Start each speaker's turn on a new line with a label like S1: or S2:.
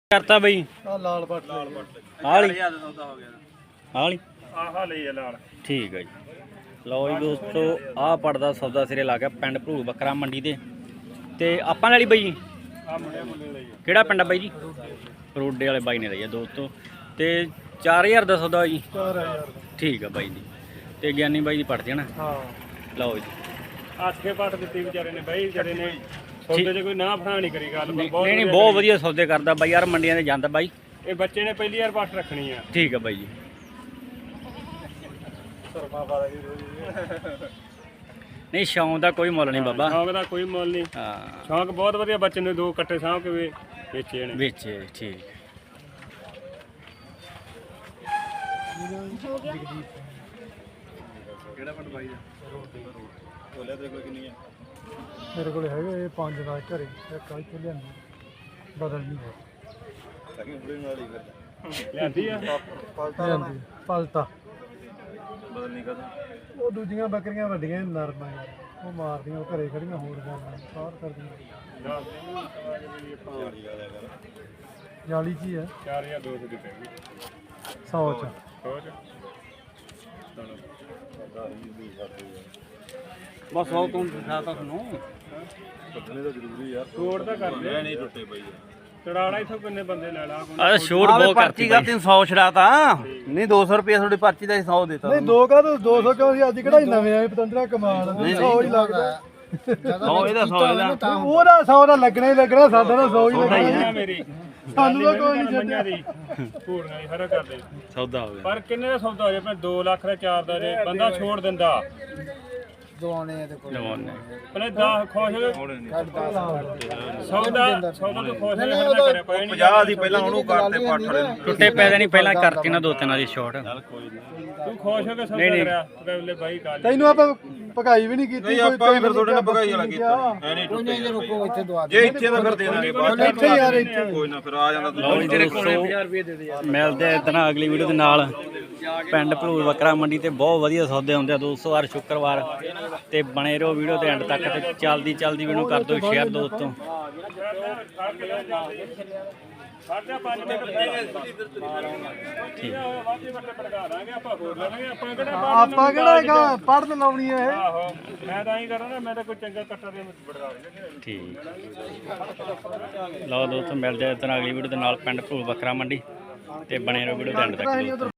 S1: करता बई
S2: लाल पट
S1: लाल ठीक है जी। लो जी दोस्तों आ पड़दा सौदा सिरे ला गया पिंड भरू बकरा मंडी ते आपां वाली बई किहड़ा पिंड है बई जी रोडे वाले बाई ने लई है दोस्तों ते 4000 का सौदा जी ठीक है बाई जी ते ज्ञानी बाई दी पट जाना लो जी
S2: 8 पट दित्ती विचारे ने बाई विचारे ने सौदे च कोई ना फड़ा नहीं करी गल
S1: नहीं बहुत वधिया सौदे करदा बाई यार मंडियां ते जांदा बाई
S2: ये बच्चे ने पहली बार पट रखनी है
S1: ठीक है बाई जी नहीं शौक का कोई मुल नहीं बाबा
S2: शौक का कोई मुल नहीं शौक बहुत वधिया बच्चे ने 2 कट्टे साहब के बेचे ने
S1: बेचे ठीक
S2: ਕਿਹੜਾ ਪਟ ਬਾਈ ਦਾ ਤੋਲੇ ਤੇ ਕੋਈ ਕਿੰਨੀ ਹੈ
S3: मेरे को है 5 ਨਾਲ ਘਰੇ ਇੱਕ ਆਈ ਤੇ ਲਿਆਂਦੀ ਬਦਲ ਨਹੀਂ ਹੈ
S2: ਸਕੀ ਬੜੀ ਨਾਲ ਹੀ ਫਿਰ ਲਿਆਂਦੀ ਆ
S3: ਪਲਟਾ
S2: ਬਦਲ ਨਹੀਂ ਕਰਦਾ
S3: ਉਹ ਦੂਜੀਆਂ ਬੱਕਰੀਆਂ ਵੱਡੀਆਂ ਨਰਮ ਆ ਯਾਰ ਉਹ ਮਾਰਦੀਆਂ ਉਹ ਘਰੇ ਖੜੀਆਂ ਹੋਰ ਜਾਂਦੀਆਂ ਸਾਰ ਕਰਦੀਆਂ ਜਾਲੀ ਜੀ ਹੈ
S2: 4200 ਦੀ ਪੈ ਗਈ
S3: 100 ਚ
S1: बस हो तुम दिखाता सुनो
S2: ਕੱਢਣੇ ਤਾਂ ਜ਼ਰੂਰੀ ਯਾਰ ਛੋੜ ਤਾਂ ਕਰਦੇ ਨਹੀਂ ਟੁੱਟੇ ਪਈ ਚੜਾਣਾ ਇਥੋਂ ਕਿੰਨੇ ਬੰਦੇ ਲੈ ਲਾ
S1: अरे छोड़ बहुत करती
S4: का 300 छड़ाता नहीं 200 रुपया थोड़ी पर्ची का 100 देता
S3: ਨਹੀਂ ਦੋ ਕਾ 200 ਕਿਉਂ ਸੀ ਅੱਜ ਕਿਹੜਾ ਨਵੇਂ ਆਏ ਪਤੰਦਰਾ ਕਮਾਲ 100 ਹੀ ਲੱਗਦਾ
S4: 100 ਇਹਦਾ 100 ਇਹਦਾ
S3: ਉਹਦਾ 100 ਦਾ ਲੱਗਣਾ ਹੀ ਲੱਗਣਾ ਸਾਡਾ ਤਾਂ 100 ਹੀ ਲੱਗਣਾ
S2: ਮੇਰੀ
S3: ਸਾਨੂੰ ਤਾਂ ਕੋਈ ਨਹੀਂ
S2: ਮੰਨਿਆ ਦੀ ਪੂਰਨਾ ਹੀ ਹਰਾ ਕਰਦੇ
S1: सौदा हो गया
S2: ਪਰ ਕਿੰਨੇ ਦਾ ਸੌਦਾ ਹੋ ਜੇ ਆਪਣੇ 2 ਲੱਖ ਦਾ 4 ਦਾ ਜੇ ਬੰਦਾ ਛੋੜ ਦਿੰਦਾ
S1: जवान ने
S2: ਪਹਿਲੇ 10 ਖੁਸ਼ ਹੋ ਸੌਦਾ ਤੋਂ ਖੁਸ਼ ਹੋ ਕਰਿਆ ਕੋਈ ਨਹੀਂ
S4: 50 ਦੀ ਪਹਿਲਾਂ ਉਹਨੂੰ ਕਰਤੇ ਪੱਠ ਵਾਲੇ ਨੂੰ
S1: टुटे पैदे नहीं पहला करती ना 2-3 वाली शॉट
S2: ਤੂੰ ਖੁਸ਼ ਹੋ ਕੇ ਸੌਦਾ ਕਰਿਆ ਬਲੇ ਬਾਈ ਕਾਲ
S3: ਤੈਨੂੰ ਆਪਾਂ ਭਗਾਈ ਵੀ ਨਹੀਂ ਕੀਤੀ
S4: ਨਹੀਂ ਆਪਾਂ ਵੀ ਫਿਰ ਤੁਹਾਡੇ ਨਾਲ ਭਗਾਈ ਵਾਲਾ ਕੀਤਾ ਐ ਨਹੀਂ ਟੁੱਟੇ ਜੇ ਇੱਥੇ ਤਾਂ ਫਿਰ ਦੇ ਦਾਂਗੇ ਬਾਅਦ
S3: ਇੱਥੇ ਯਾਰ ਇੱਥੇ
S4: ਕੋਈ ਨਾ ਫਿਰ ਆ ਜਾਂਦਾ
S1: ਲਓ ਜੀ ਦੋਸਤੋ ਮਿਲਦੇ ਆ ਇਦਾਂ ਅਗਲੀ ਵੀਡੀਓ ਦੇ ਨਾਲ ਪਿੰਡ ਭਲੂਰ ਬੱਕਰਾ ਮੰਡੀ ਤੇ ਬਹੁਤ ਵਧੀਆ ਸੌਦੇ ਹੁੰਦੇ ਆ ਦੋਸਤੋ ਹਰ ਸ਼ੁੱਕਰਵਾਰ ਤੇ ਬਣੇ ਰਹੋ ਵੀਡੀਓ ਤੇ ਐਂਡ ਤੱਕ ਤੇ ਚੱਲਦੀ ਵੀਡੀਓ ਕਰ ਦਿਓ ਸ਼ੇਅਰ ਦੋਸਤੋ
S2: ਸਾਡਾ 5 ਮਿੰਟ ਠੀਕ ਵਾਧੇ ਵੱਟੇ ਪੜਗਾ ਦਾਂਗੇ ਆਪਾਂ ਹੋਰ ਲੈਣਗੇ ਆਪਾਂ
S3: ਕਿਹੜਾ ਪੜਨ ਲਾਉਣੀ ਹੈ ਇਹ
S2: ਆਹੋ ਮੈਂ ਤਾਂ ਹੀ ਕਰਾਂ ਨਾ ਮੈਂ ਤਾਂ ਕੋਈ ਚੰਗਾ ਕੱਟਰ ਦੇ ਪੜਗਾ ਦੇਣਾ
S1: ਠੀਕ ਲਓ ਦੋਸਤੋ ਮਿਲਦੇ ਆ ਇਦਾਂ ਅਗਲੀ ਵੀਡੀਓ ਦੇ ਨਾਲ ਪਿੰਡ ਭਲੂਰ ਬੱਕਰਾ ਮੰਡੀ ਤੇ ਬਣੇ ਰਹੋ ਵੀਡੀਓ ਤੇ ਐਂਡ ਤੱਕ ਦੋਸਤੋ